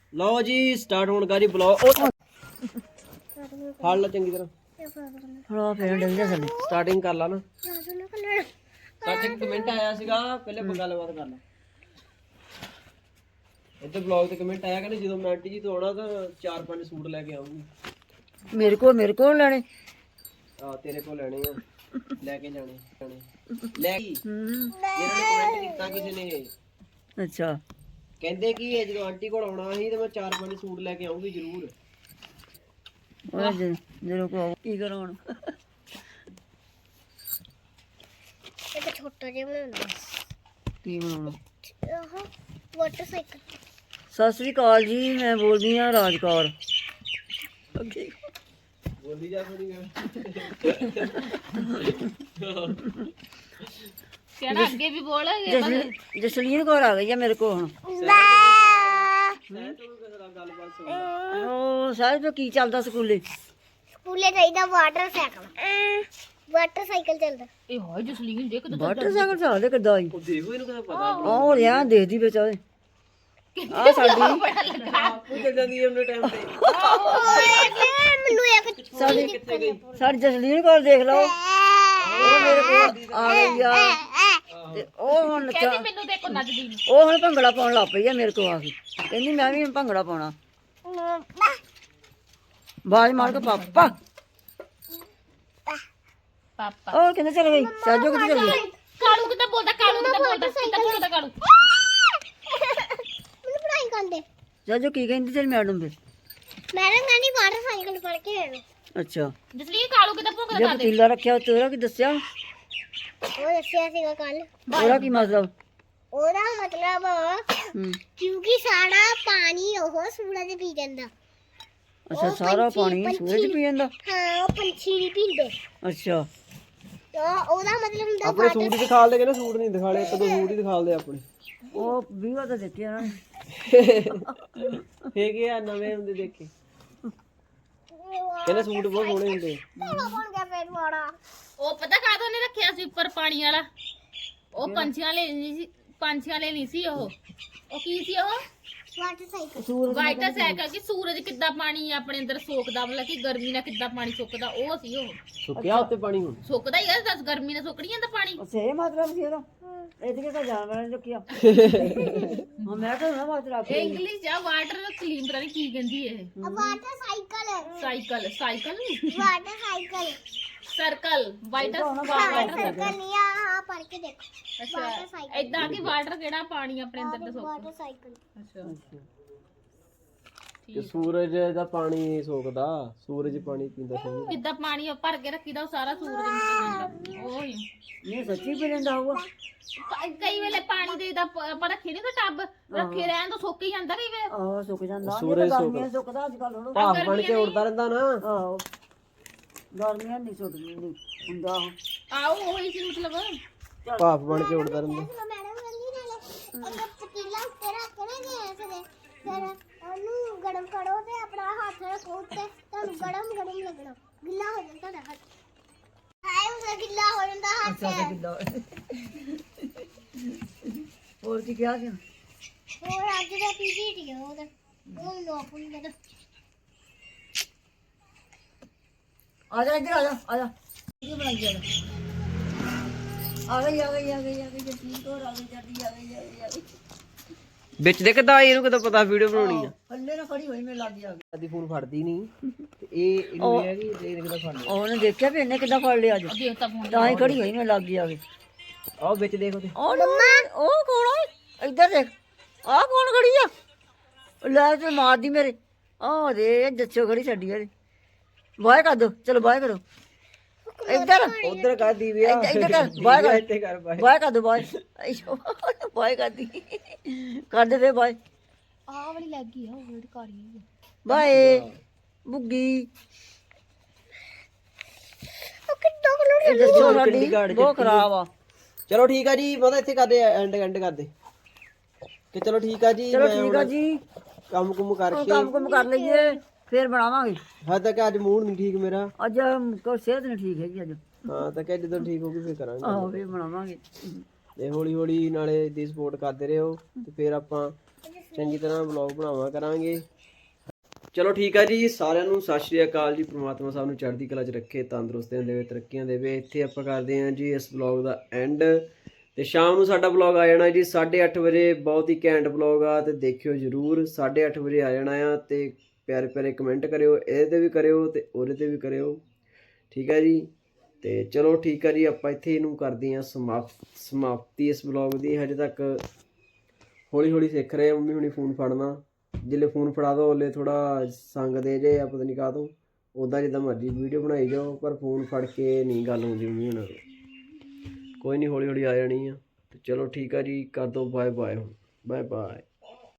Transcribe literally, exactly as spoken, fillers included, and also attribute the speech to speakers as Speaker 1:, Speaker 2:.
Speaker 1: लो जी start होने का जी blog फाड़ लो चंगी तरह
Speaker 2: ਹਾਂ ਫੇਰ ਡਿੱਗ ਜਾ ਥੱਲੇ
Speaker 1: स्टार्टिंग कर ला ना स्टार्टिंग कमेंट आया ਸੀਗਾ ਪਹਿਲੇ ਆਪਾਂ ਗੱਲਬਾਤ ਕਰ ਲਾ ਇੱਥੇ ਬਲੌਗ ਤੇ ਕਮੈਂਟ ਆਇਆ ਕਹਿੰਦੇ ਜਦੋਂ ਮੈਂ ਆਂਟੀ ਜੀ ਤੋਂ ਆਉਣਾ ਤਾਂ ਚਾਰ ਪੰਜ ਸੂਟ ਲੈ ਕੇ ਆਉਂਗੀ
Speaker 2: ਮੇਰੇ ਕੋਲ ਮੇਰੇ ਕੋਲ ਲੈਣੇ
Speaker 1: ਆ ਤੇਰੇ ਕੋਲ ਲੈਣੇ ਆ ਲੈ ਕੇ ਜਾਣੇ ਜਾਣੇ ਲੈ ਕੀ ਜਿਹਨਾਂ ਨੇ ਕਮੈਂਟ ਕੀਤਾ ਕਿਸੇ ਨੇ
Speaker 2: ਅੱਛਾ
Speaker 1: ਕਹਿੰਦੇ ਕਿ ਇਹ ਜਦੋਂ ਆਂਟੀ ਕੋਲ ਆਉਣਾ ਸੀ ਤੇ ਮੈਂ ਚਾਰ ਪੰਜ ਸੂਟ ਲੈ ਕੇ ਆਉਂਗੀ ਜ਼ਰੂਰ
Speaker 2: ਉਹ ਜਦੋਂ ਕੋ ਕੀ ਕਰਾਉਣ
Speaker 3: ਇੱਕ ਛੋਟਾ ਜਿਹਾ ਬਣਾਉਣਾ
Speaker 2: ਕੀ ਬਣਾਉਣਾ
Speaker 3: ਆਹ ਮੋਟਰਸਾਈਕਲ
Speaker 2: ਸਤਿ ਸ੍ਰੀ ਅਕਾਲ ਜੀ ਮੈਂ ਬੋਲਦੀ ਹਾਂ ਰਾਜਕੌਰ ਅੱਗੇ
Speaker 1: ਬੋਲੀ ਜਾ ਥੋੜੀ ਗੱਲ
Speaker 3: ਕਿਹੜਾ ਅੱਗੇ ਵੀ ਬੋਲਾਂਗੇ
Speaker 2: ਜਸਲੀਨ ਜਸਲੀਨ ਕੌਰ ਆ ਗਈ ਆ ਮੇਰੇ ਕੋਲ ਹੁਣ ਉਹ ਸਾਰੇ ਤੋਂ ਕੀ ਚੱਲਦਾ ਸਕੂਲੇ
Speaker 3: ਸਕੂਲੇ ਚਾਹੀਦਾ ਵਾਟਰਸਾਈਕਲ ਵਾਟਰਸਾਈਕਲ ਚੱਲਦਾ ਇਹ ਹੋਏ ਜਸਲੀਨ ਦੇਖ
Speaker 2: ਮੋਟਰਸਾਈਕਲ ਚੱਲਦੇ ਕਿੱਦਾਂ ਆਈ
Speaker 1: ਉਹ ਦੇਖੋ ਇਹਨੂੰ ਕਿਹਦਾ ਪਤਾ
Speaker 2: ਉਹ ਰਿਆ ਦੇਖਦੀ ਵਿੱਚ ਉਹਦੇ ਆ ਸਾਡੀ
Speaker 1: ਆਪੂ ਚੱਲ ਜਾਂਦੀ ਹੈ ਉਹਨੇ ਟਾਈਮ ਤੇ
Speaker 3: ਮੈਨੂੰ ਇੱਕ
Speaker 2: ਸਾਡੀ ਸਾਡੀ ਜਸਲੀਨ ਕੋਲ ਦੇਖ ਲਓ ਉਹ ਮੇਰੇ ਕੋਲ ਆ ਗਈ ਆ ਤੇ ਉਹ ਹੁਣ ਨੱਚਾ
Speaker 3: ਮੈਨੂੰ ਦੇਖੋ ਨੱਚਦੀ ਨੂੰ
Speaker 2: ਉਹ ਹੁਣ ਭੰਗੜਾ ਪਾਉਣ ਲੱਗ ਪਈ ਆ ਮੇਰੇ ਕੋਲ ਆ ਕੇ ਕਹਿੰਦੀ ਮੈਂ ਵੀ ਹੁਣ ਭੰਗੜਾ ਪਾਉਣਾ ਬਾਜ ਮਾਰ ਕੇ ਪਾਪਾ
Speaker 3: ਪਾਪਾ
Speaker 2: ਉਹ ਕਿੱਥੇ ਚਲ ਗਈ ਸਾਜੋ ਕਿੱਥੇ ਚਲ ਗਈ
Speaker 3: ਕਾਲੂ ਕਿੱਦਾਂ ਬੋਲਦਾ ਕਾਲੂ ਕਿੱਦਾਂ ਬੋਲਦਾ ਕਿੱਦਾਂ ਬੋਲਦਾ ਕਾਲੂ ਮੈਨੂੰ ਪੜਾਈ ਕਰਦੇ
Speaker 2: ਸਾਜੋ ਕੀ ਕਹਿੰਦੀ ਤੇਰੀ ਮੈਡਮ ਫਿਰ
Speaker 3: ਮੈਡਮ ਕਹਿੰਦੀ ਵਾਟਰਸਾਈਕਲ ਫੜ ਕੇ ਆਇਓ
Speaker 2: ਅੱਛਾ
Speaker 3: ਜਸਲੀਨ ਕਾਲੂ ਕਿੱਦਾਂ ਭੌਂਕਦਾ
Speaker 2: ਜੇ ਪਤੀਲਾ ਰੱਖਿਆ ਤੇਰਾ ਕੀ ਦੱਸਿਆ
Speaker 3: ਉਹ ਦੱਸਿਆ ਸੀਗਾ ਕੱਲ
Speaker 2: ਉਹਦਾ ਕੀ ਮਤਲਬ
Speaker 3: ਉਹਦਾ ਮਤਲਬ
Speaker 2: ਹੂੰ
Speaker 3: ਕਿਉਂਕਿ ਸਾਰਾ ਪਾਣੀ ਉਹ ਸੂਰਜ ਪੀ ਜਾਂਦਾ
Speaker 2: ਅੱਛਾ ਸਾਰਾ ਪਾਣੀ ਸੂਰਜ ਪੀ ਜਾਂਦਾ
Speaker 3: ਹਾਂ ਉਹ ਪੰਛੀ ਨਹੀਂ ਪੀਂਦੇ
Speaker 2: ਅੱਛਾ
Speaker 3: ਤਾਂ ਉਹਦਾ ਮਤਲਬ ਹੁੰਦਾ
Speaker 1: ਆਪਣੇ ਸੂਟ ਹੀ ਦਿਖਾ ਲਦੇ ਕਹਿੰਦੇ ਸੂਟ ਨਹੀਂ ਦਿਖਾਲੇ ਇੱਕ ਦੋ ਸੂਟ ਹੀ ਦਿਖਾ ਲਦੇ ਆਪਣੇ
Speaker 2: ਉਹ ਵੀਵਾ ਤਾਂ ਦਿੱਤੇ ਉਹਨਾਂ ਨੇ
Speaker 1: ਹੈਗੇ ਆ ਨਵੇਂ ਹੁੰਦੇ ਦੇਖੇ ਕਹਿੰਦੇ ਸੂਟ ਬਹੁਤ ਸੋਹਣੇ ਹੁੰਦੇ
Speaker 3: ਬਣ ਗਿਆ ਫੇਰ ਵਾੜਾ
Speaker 4: ਉਹ ਪਤਾ ਕਾਹਦੋਂ ਨੇ ਰੱਖਿਆ ਸੀ ਉੱਪਰ ਪਾਣੀ ਵਾਲਾ ਉਹ ਪੰਛੀਆਂ ਲਈ ਨਹੀਂ ਸੀ ਪੰਛੀਆਂ ਲਈ ਨਹੀਂ ਸੀ ਉਹ ਉਹ ਕੀ ਸੀ ਉਹ
Speaker 3: ਵਾਟਰਸਾਈਕਲ
Speaker 4: ਵਾਈਟ ਸਾਈਕਲ ਕਿ ਸੂਰਜ ਕਿੱਦਾਂ ਪਾਣੀ ਆਪਣੇ ਅੰਦਰ ਸੋਕਦਾ ਮਤਲਬ ਕਿ ਗਰਮੀ ਨਾਲ ਕਿੱਦਾਂ ਪਾਣੀ ਸੁੱਕਦਾ ਉਹ ਸੀ ਉਹ
Speaker 1: ਸੁੱਕਿਆ ਉੱਤੇ ਪਾਣੀ ਹੁਣ
Speaker 4: ਸੁੱਕਦਾ ਹੀ ਆ ਦੱਸ ਗਰਮੀ ਨਾਲ ਸੁੱਕ ਨਹੀਂ ਜਾਂਦਾ ਪਾਣੀ
Speaker 2: ਅੱਛਾ ਇਹ ਮਤਲਬ ਸੀ ਉਹਦਾ ਇਹਦੇ ਤਾਂ ਜਾਨਵਰਾਂ ਨੇ ਚੁੱਕਿਆ ਹਾਂ ਮੈਂ ਤਾਂ ਨਾ ਬਾਤ ਰੱਖ
Speaker 4: ਇਹ ਇੰਗਲਿਸ਼ ਜਾਂ ਵਾਟਰ ਕਲੀਨ ਪਤਾ ਨਹੀਂ ਕੀ ਕਹਿੰਦੀ ਇਹ
Speaker 3: water cycle
Speaker 4: cycle cycle
Speaker 3: water cycle
Speaker 4: circle white
Speaker 3: water cycle ਨਹੀਂ ਆ ਹਾਂ ਪੜ ਕੇ ਦੇਖੋ
Speaker 4: ਅੱਛਾ ਏਦਾਂ ਕਿ ਵਾਟਰ ਕਿਹੜਾ ਪਾਣੀ ਆਪਣੇ ਅੰਦਰ ਦਾ ਸੁੱਕਦਾ
Speaker 3: ਵਾਟਰਸਾਈਕਲ
Speaker 4: ਅੱਛਾ
Speaker 1: ਕਿ ਸੂਰਜ ਦਾ ਪਾਣੀ ਸੋਕਦਾ ਸੂਰਜ ਪਾਣੀ ਪੀਂਦਾ ਸੋਹਣਾ
Speaker 4: ਕਿੱਦਾਂ ਪਾਣੀ ਭਰ ਕੇ ਰੱਖੀਦਾ ਉਹ ਸਾਰਾ ਸੂਰਜ ਨੂੰ ਜਾਂਦਾ ਉਹ ਹੀ
Speaker 2: ਇਹ ਸੱਚੀ ਪੀ ਲੈਂਦਾ ਹੋਊਗਾ
Speaker 4: ਕ- ਕਈ ਵੇਲੇ ਪਾਣੀ ਦੇ ਦਾ ਆਪਾਂ ਰੱਖੇ ਨਹੀਂ ਤਾਂ ਟੱਬ ਰੱਖੇ ਰਹਿਣ ਤੋਂ ਸੁੱਕ ਹੀ ਜਾਂਦਾ ਕਈ ਵੇਲੇ
Speaker 2: ਆਹ ਸੁੱਕ ਜਾਂਦਾ
Speaker 1: ਸੂਰਜ
Speaker 2: ਗਰਮੀਆਂ ਸੁੱਕਦਾ ਅੱਜ ਕੱਲ ਹੁਣ
Speaker 1: ਭਾਫ ਬਣ ਕੇ ਉੜਦਾ ਰਹਿੰਦਾ ਨਾ
Speaker 2: ਆਹੋ ਗਰਮੀਆਂ ਨਹੀਂ ਸੁੱਕਦੀ ਨਹੀਂ ਹੁੰਦਾ ਉਹ
Speaker 4: ਆਓ ਉਹੀ ਸੀ ਮਤਲਬ
Speaker 1: ਭਾਫ ਬਣ ਕੇ ਉੜਦਾ ਰਹਿੰਦਾ
Speaker 3: ਮੈਡਮ ਕਹਿੰਦੀ ਨਾਲੇ ਇੱਕ ਪਤੀਲਾ ਉੱਤੇ ਰੱਖ ਕੇ ਨਾ ਗੈਸ ਦੇ ਫਿਰ ਉਹਨੂੰ ਗਰਮ ਕਰੋ ਤੇ ਆਪਣਾ ਹੱਥ ਰੱਖੋ ਉੱਤੇ ਤੁਹਾਨੂੰ ਗਰਮ ਗਰਮ ਲੱਗਣਾ ਗਿੱਲਾ ਹੋ ਜਾਂਦਾ ਤੁਹਾਡਾ ਹੱਥ ਹਾਏ ਉਹ ਗਿੱਲਾ ਹੋ ਜਾਂਦਾ ਹੱਥ
Speaker 2: ਅੱਛਾ ਕਿੱਦਾਂ ਹੋਰ ਕੀ ਕਿਹਾ ਸੀ
Speaker 3: ਹੋਰ ਅੱਜ ਦਾ ਪੀਜੀ ਹੈ ਉਹਦਾ ਉਹ ਲੋਕ ਨਹੀਂ ਪਤਾ
Speaker 2: ਆ ਜਾ ਇੱਧਰ ਆ ਜਾ ਆ ਜਾ ਕੀ ਬਣਾਈ ਜਾ ਆ ਗਈ ਆ ਗਈ ਆ ਗਈ ਆ ਗਈ ਜਸਮੀਨ ਕੋਰ ਆ ਗਈ ਜੱਦੀ ਆ ਗਈ ਆ ਗਈ ਆ ਗਈ
Speaker 1: ਵਿੱਚ ਦੇ ਕਿਦਾਂ ਇਹਨੂੰ ਕਿਦਾਂ ਪਤਾ ਵੀਡੀਓ ਬਣਾਉਣੀ ਆ
Speaker 2: ਹੱਲੇ ਨਾ ਖੜੀ ਹੋਈ ਮੇਰੇ ਲੱਗ ਗਿਆ
Speaker 1: ਆਦੀ ਫੋਨ ਫੜਦੀ ਨਹੀਂ ਤੇ ਇਹ ਇਹਨੂੰ ਇਹ ਹੈ ਕਿ ਇਹ ਕਿਦਾਂ ਫੜ ਲਿਆ
Speaker 2: ਉਹਨੇ ਦੇਖਿਆ ਵੀ ਇਹਨੇ ਕਿੱਦਾਂ ਫੜ ਲਿਆ ਅੱਜ
Speaker 4: ਦੇਖਤਾ ਫੋਨ
Speaker 2: ਤਾਂ ਹੀ ਖੜੀ ਹੋਈ ਮੇਰੇ ਲੱਗ ਗਈ ਆ ਗਈ
Speaker 1: ਆਹ ਵਿੱਚ ਦੇਖੋ ਤੇ
Speaker 2: ਉਹ ਉਹ ਕੌਣ ਆ ਇੱਧਰ ਦੇਖ ਆਹ ਕੌਣ ਖੜੀ ਆ ਲੈ ਤੇ ਮਾਰਦੀ ਮੇਰੇ ਆਹ ਦੇ ਜੱਚੋ ਖੜੀ ਛੱਡੀ ਆ ਬਾਏ ਕਰ ਦੋ ਚਲੋ ਬਾਏ ਕਰੋ ਇੱਧਰ
Speaker 1: ਉਧਰ ਕਰ ਦੀ ਵਿਆ
Speaker 2: ਇੱਧਰ ਕਰ ਬਾਏ ਕਰ
Speaker 1: ਇੱਥੇ ਕਰ ਬਾਏ
Speaker 2: ਬਾਏ ਕਰ ਦੋ ਬਾਏ ਬਾਏ ਕਰਦੀ ਕਰ ਦੇ ਫੇ ਬਾਏ
Speaker 3: ਆਹ ਵਾਲੀ ਲੱਗ ਗਈ ਆ ਉਹ ਵਰਡ ਕਰੀ
Speaker 2: ਬਾਏ ਬੁੱਗੀ
Speaker 3: ਉਹ ਕਿੱਦਾਂ ਕਲਰ
Speaker 2: ਇਹ ਦੱਸੋ ਸਾਡੀ ਬਹੁਤ ਖਰਾਬ ਆ
Speaker 1: ਚਲੋ ਠੀਕ ਆ ਜੀ ਪਤਾ ਇੱਥੇ ਕਰਦੇ ਐਂਡ ਐਂਡ ਕਰਦੇ ਕਿ ਚਲੋ ਠੀਕ ਆ ਜੀ
Speaker 2: ਚਲੋ
Speaker 1: ਮੈਂ
Speaker 2: ਠੀਕ ਆ
Speaker 1: ਹੁਣ
Speaker 2: ਜੀ
Speaker 1: ਕੰਮ ਕੁਮ ਕਰਕੇ
Speaker 2: ਕੰਮ ਕੁਮ ਕਰ ਲਈਏ ਫੇਰ ਬਣਾਵਾਂਗੇ
Speaker 1: ਹਾਂ ਤੱਕ ਅੱਜ ਮੂਡ ਨਹੀਂ ਠੀਕ ਮੇਰਾ
Speaker 2: ਅੱਜ ਕੋ ਸਿਹਤ ਨਹੀਂ ਠੀਕ ਹੈਗੀ ਅੱਜ
Speaker 1: ਹਾਂ ਤਾਂ ਕਿ ਜਦੋਂ ਠੀਕ ਹੋਊਗੀ ਫੇਰ ਕਰਾਂਗੇ
Speaker 2: ਆਹੋ ਫੇਰ ਬਣਾਵਾਂਗੇ
Speaker 1: ਤੇ ਹੌਲੀ ਹੌਲੀ ਨਾਲੇ ਦੀ ਸਪੋਰਟ ਕਰਦੇ ਰਹੋ ਤੇ ਫਿਰ ਆਪਾਂ ਚੰਗੀ ਤਰ੍ਹਾਂ ਵਲੌਗ ਬਣਾਵਾ ਕਰਾਂਗੇ। ਚਲੋ ਠੀਕ ਆ ਜੀ, ਸਾਰਿਆਂ ਨੂੰ ਸਤਿ ਸ਼੍ਰੀ ਅਕਾਲ ਜੀ। ਪ੍ਰਮਾਤਮਾ ਸਭ ਨੂੰ ਚੜ੍ਹਦੀ ਕਲਾ 'ਚ ਰੱਖੇ, ਤੰਦਰੁਸਤੀਆਂ ਦੇਵੇ, ਤਰੱਕੀਆਂ ਦੇਵੇ। ਇੱਥੇ ਆਪਾਂ ਕਰਦੇ ਹਾਂ ਜੀ ਇਸ ਵਲੌਗ ਦਾ ਐਂਡ, ਤੇ ਸ਼ਾਮ ਨੂੰ ਸਾਡਾ ਵਲੌਗ ਆ ਜਾਣਾ ਜੀ ਸਾਢੇ ਅੱਠ ਵਜੇ। ਬਹੁਤ ਹੀ ਘੈਂਟ ਵਲੌਗ ਆ, ਤੇ ਦੇਖਿਓ ਜ਼ਰੂਰ। ਸਾਢੇ ਅੱਠ ਵਜੇ ਆ ਜਾਣਾ ਆ, ਤੇ ਪਿਆਰੇ ਪਿਆਰੇ ਕਮੈਂਟ ਕਰਿਓ, ਇਹਦੇ 'ਤੇ ਵੀ ਕਰਿਓ ਤੇ ਉਹਦੇ 'ਤੇ ਵੀ ਕਰਿਓ, ਠੀਕ ਹੈ ਜੀ। ਤੇ ਚਲੋ ਠੀਕ ਆ ਜੀ, ਆਪਾਂ ਇੱਥੇ ਇਹਨੂੰ ਕਰਦੇ ਹਾਂ ਸਮਾਪਤ ਸਮਾਪਤੀ ਇਸ ਵਲੌਗ ਦੀ। ਹਜੇ ਤੱਕ ਹੌਲੀ ਹੌਲੀ ਸਿੱਖ ਰਹੇ, ਮੰਮੀ ਹੁਣੀ ਫੋਨ ਫੜਨਾ। ਜਿੱਲੇ ਫੋਨ ਫੜਾ ਦੋ ਉਹਲੇ ਥੋੜ੍ਹਾ ਸੰਗਦੇ ਜੇ ਆ, ਪਤਾ ਨਹੀਂ ਕਾਹ ਤੋਂ। ਉੱਦਾਂ ਜਿੱਦਾਂ ਮਰਜ਼ੀ ਵੀਡੀਓ ਬਣਾਈ ਜਾਓ, ਪਰ ਫੋਨ ਫੜ ਕੇ ਨਹੀਂ ਗੱਲ ਹੁੰਦੀ ਮੰਮੀ ਹੁਣਾਂ ਤੋਂ। ਕੋਈ ਨਹੀਂ, ਹੌਲੀ ਹੌਲੀ ਆ ਜਾਣੀ ਆ। ਤੇ ਚਲੋ ਠੀਕ ਆ ਜੀ, ਕਰ ਦਿਓ ਬਾਏ ਬਾਏ ਹੁਣ, ਬਾਏ ਬਾਏ।